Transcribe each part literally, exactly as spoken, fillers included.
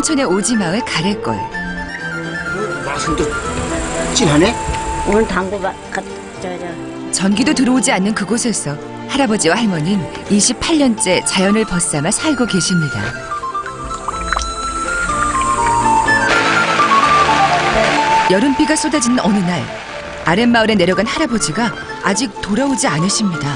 홍천의 오지마을 가래골. 맛은 또 진하네? 오늘 당구 바, 가, 저, 저. 전기도 들어오지 않는 그곳에서 할아버지와 할머니는 이십팔 년째 자연을 벗삼아 살고 계십니다. 여름비가 쏟아지는 어느 날, 아랫마을에 내려간 할아버지가 아직 돌아오지 않으십니다.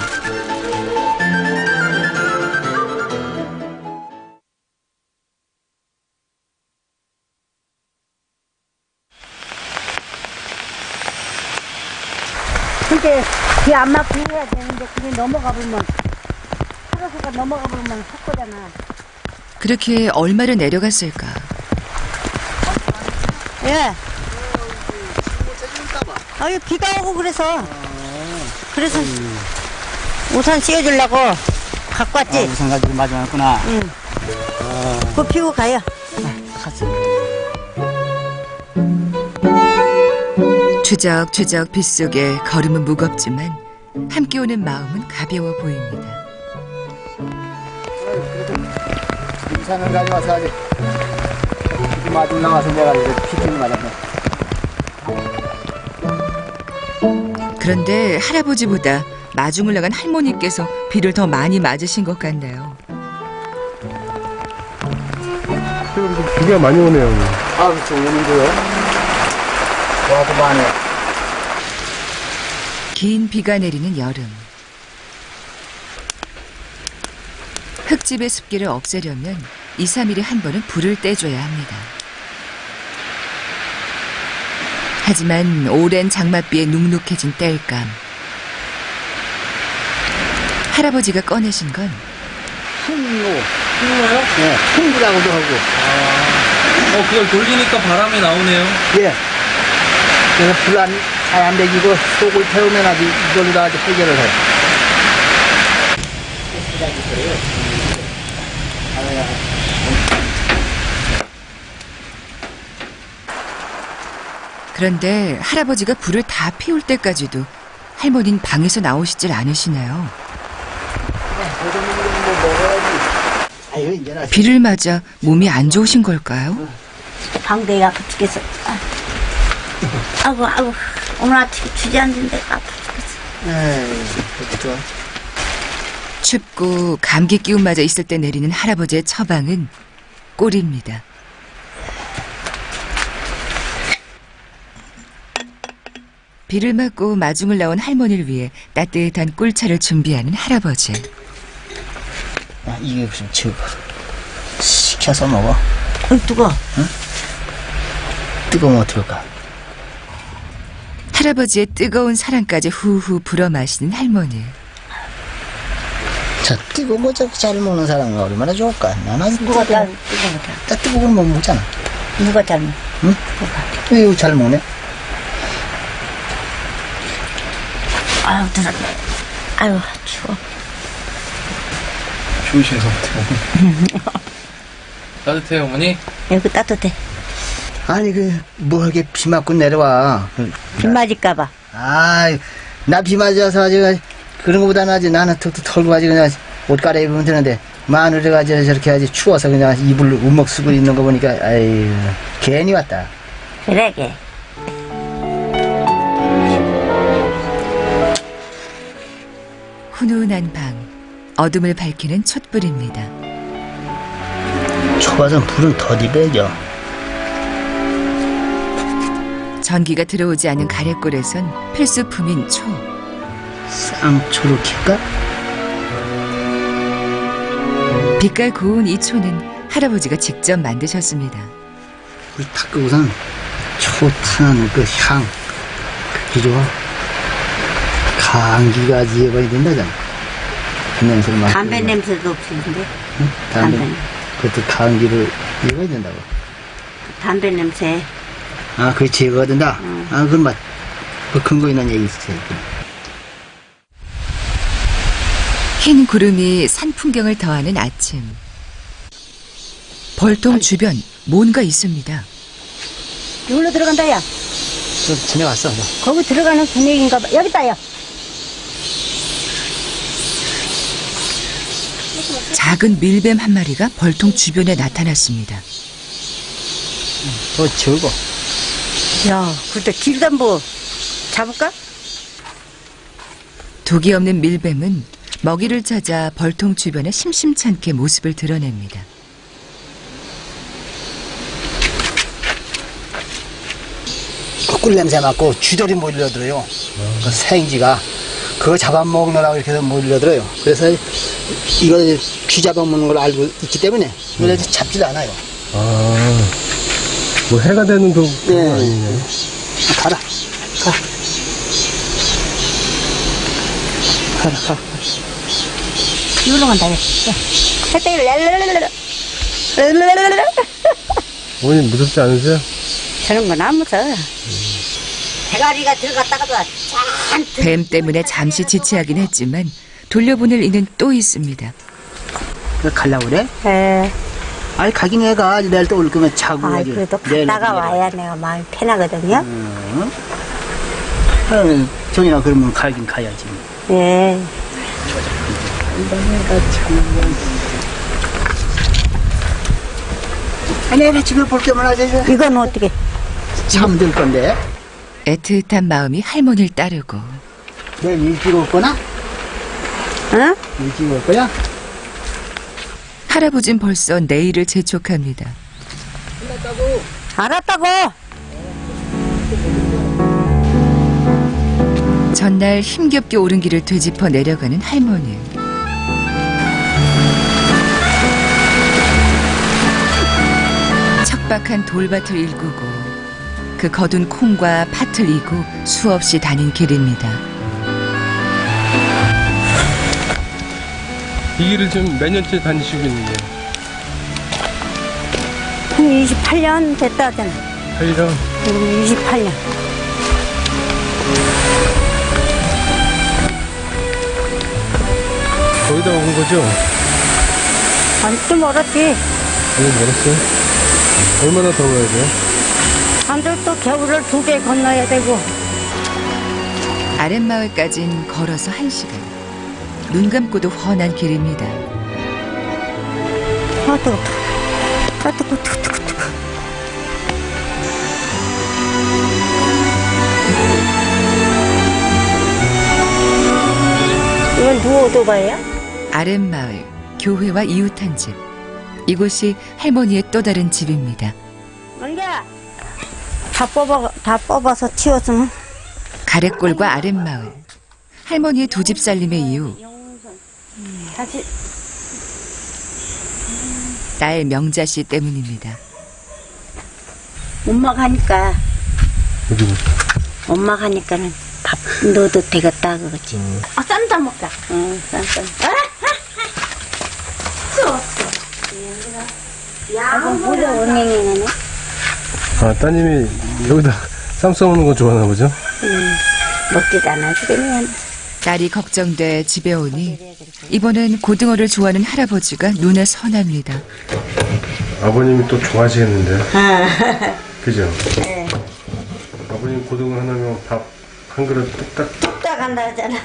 근데 비 안 맞고 해야 되는데 그게 넘어가 보면 살아서가 넘어가 보면 헛거잖아. 그렇게 얼마를 내려갔을까? 예. 아, 이 비가 오고 그래서 그래서 우산 씌워주려고 갖고 왔지. 아, 우산 가지고 마지막구나. 응. 아. 그거 피고 가요. 갔어. 추적추적 빗속에 걸음은 무겁지만 함께 오는 마음은 가벼워 보입니다. 우산을 가져와서 아직 마중 나와서 내가 이제 피팅을 맞았네. 그런데 할아버지보다 마중을 나간 할머니께서 비를 더 많이 맞으신 것 같네요. 비가 많이 오네요. 아, 그렇죠. 오는데요. 와도 많네. 긴 비가 내리는 여름. 흙집의 습기를 없애려면 이, 삼 일에 한 번은 불을 떼줘야 합니다. 하지만 오랜 장맛비에 눅눅해진 땔감. 할아버지가 꺼내신 건 풍로. 풍로요? 네, 풍기라고도 하고. 아, 어, 그걸 돌리니까 바람이 나오네요. 예. 그래서 불 안, 잘 안 배기고 속을 태우면 아주 이걸로 다 아주 해결을 해요. 그런데 할아버지가 불을 다 피울 때까지도 할머니는 방에서 나오시질 않으시네요. 아유, 이제는 비를 맞아 몸이 안 좋으신 걸까요? 방대가 아파 죽겠어. 아. 아이고, 아이고. 오늘 아침에 주저앉은데 아파 죽겠어. 에이, 그렇게 좋아. 춥고 감기 기운 맞아 있을 때 내리는 할아버지의 처방은 꿀입니다. 비를 맞고 마중을 나온 할머니를 위해 따뜻한 꿀차를 준비하는 할아버지. 야, 이게 무슨 저 시켜서 먹어. 어이, 뜨거. 뜨거우면 어떨까? 할아버지의 뜨거운 사랑까지 후후 불어 마시는 할머니. 저 뜨거운 거 저렇게 잘 먹는 사람은 얼마나 좋을까? 나는 아주 누가 뜨거운 잘, 뜨거워. 딱 뜨거운 거 못 먹잖아. 누가 잘 먹어? 응? 왜 이거 잘 먹네? 아유, 들었네. 아유, 추워. 추우셔서 어떡해. 따뜻해요, 어머니? 여기 따뜻해. 아니 그 뭐 이렇게 비 맞고 내려와. 비 맞을까봐. 아, 나 비 맞아서 아주 그런 거보다는 아주 나는 턱도 털고 아주 그냥 옷 갈아입으면 되는데 마누라가 아주 저렇게 아주 추워서 그냥 이불 우먹 쓰고 있는 거 보니까 아이 괜히 왔다. 그래, 걔. 훈훈한 방, 어둠을 밝히는 촛불입니다. 좁아서 불은 더디 배죠. 전기가 들어오지 않은 가래골에선 필수품인 초. 쌍초로 킬까? 빛깔 고운 이 초는 할아버지가 직접 만드셨습니다. 불 탁 끄고선 초 타는 그 향, 그게 좋아. 감기가 지어버야 된다잖아. 그 냄새를 맡고. 담배 냄새도 없는데. 응? 담배. 담배. 그것도 감기를 이어야 된다고. 담배 냄새. 아, 그게 제거가 된다? 응. 아, 그건 맞, 그 근거 있는 얘기 있어요. 흰 구름이 산 풍경을 더하는 아침. 벌통 주변 뭔가 있습니다. 여기로 들어간다, 야. 좀 지내왔어. 너. 거기 들어가는 분위기인가 봐. 여기 있다, 야. 작은 밀뱀 한 마리가 벌통 주변에 나타났습니다. 더 적어. 야, 그때 길도 뭐 잡을까? 독이 없는 밀뱀은 먹이를 찾아 벌통 주변에 심심찮게 모습을 드러냅니다. 그 꿀냄새 맡고 쥐들이 몰려들어요. 그 생쥐가 그거 잡아먹느라고 이렇게 해서 몰려들어요. 그래서 이거 쥐 잡아먹는 걸 알고 있기 때문에 이걸 잡지도 않아요. 아, 뭐 해가 되는 독 네. 아니네. 가라, 가. 가라, 가. 이리로 간다. 어머님 무섭지 않으세요? 저런 건 안 무서워. 대가리가 들어갔다가도 잔뜩. 뱀 때문에 잠시 지체하긴 했지만 돌려보낼 이는 또 있습니다. 그 갈라고 그래? 에, 아니, 가긴 해 가. 내일 또 올 거면 자고. 아, 가지. 그래도 내일 갔다가 내일. 와야 내가 마음이 편하거든요. 응. 어, 정인아, 그러면 가긴 가야지. 예. 아니, 내가 집에 볼 때만 하지. 이건 어떻게? 잠들 건데. 애틋한 마음이 할머니를 따르고 내일 일찍 올 거나? 응? 일찍 올 거야? 할아버진 벌써 내일을 재촉합니다. 알았다고. 전날 힘겹게 오른 길을 되짚어 내려가는 할머니. 척박한 돌밭을 일구고 그 거둔 콩과 팥을 이고 수없이 다닌 길입니다. 이 길을 지금 몇 년째 다니시고 있는데? 한 이십팔 년 됐다 하잖아. 팔 년? 이십팔 년. 거의 다 온 거죠? 아니, 좀 멀었지. 너무 멀었어요? 얼마나 더 가야 돼요? 사람들 또 겨울을 두 배 건너야 되고. 아랫마을까진 걸어서 한 시간. 눈 감고도 훤한 길입니다. 아, 뜨거. 아, 뜨거, 뜨거, 뜨거, 뜨거. 이건 누구 오토바이야? 아랫마을, 교회와 이웃한 집. 이곳이 할머니의 또 다른 집입니다. 은기야. 다 뽑아, 다 뽑아서 치웠으면. 가래골과 아랫마을. 할머니의 두 집 살림의 이유. 다시. 딸 명자씨 때문입니다. 엄마가 하니까, 여기 뭐. 엄마가 하니까는 밥 넣어도 되겠다, 그거지. 아, 쌈다 먹자. 응, 쌈, 쌈. 아, 야, 뭐야, 원행이네. 아, 따님이 여기다 쌈 싸먹는 거 좋아하나 보죠? 먹지도 않아, 그러면. 딸이 걱정돼 집에 오니 이번엔 고등어를 좋아하는 할아버지가 눈에 선합니다. 아버님이 또 좋아하시겠는데? 아, 그죠? 네. 아버님 고등어 하나면 밥 한 그릇 뚝딱. 뚝딱 한다 하잖아.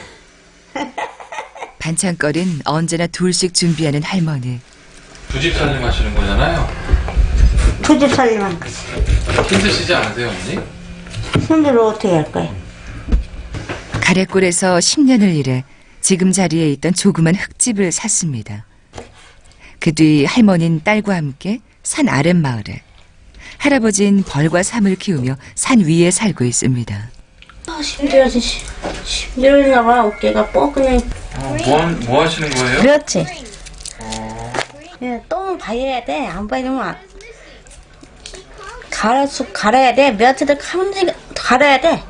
반찬거린 언제나 둘씩 준비하는 할머니. 두 집 살림 하시는 거잖아요. 투집 살림한 거지. 힘드시지 않으세요, 언니? 손으로 어떻게 할 거야? 가래골에서 십 년을 일해 지금 자리에 있던 조그만 흙집을 샀습니다. 그 뒤 할머니는 딸과 함께 산 아랫마을에, 할아버지는 벌과 삼을 키우며 산 위에 살고 있습니다. 힘들어서 힘들었나 봐. 어깨가 뻐근해. 어, 뭐, 하- 뭐 하시는 거예요? 그렇지. 예, 똥 봐야 돼. 안 봐야면 갈아서 갈아야 돼. 며칠 가면 갈아야 돼.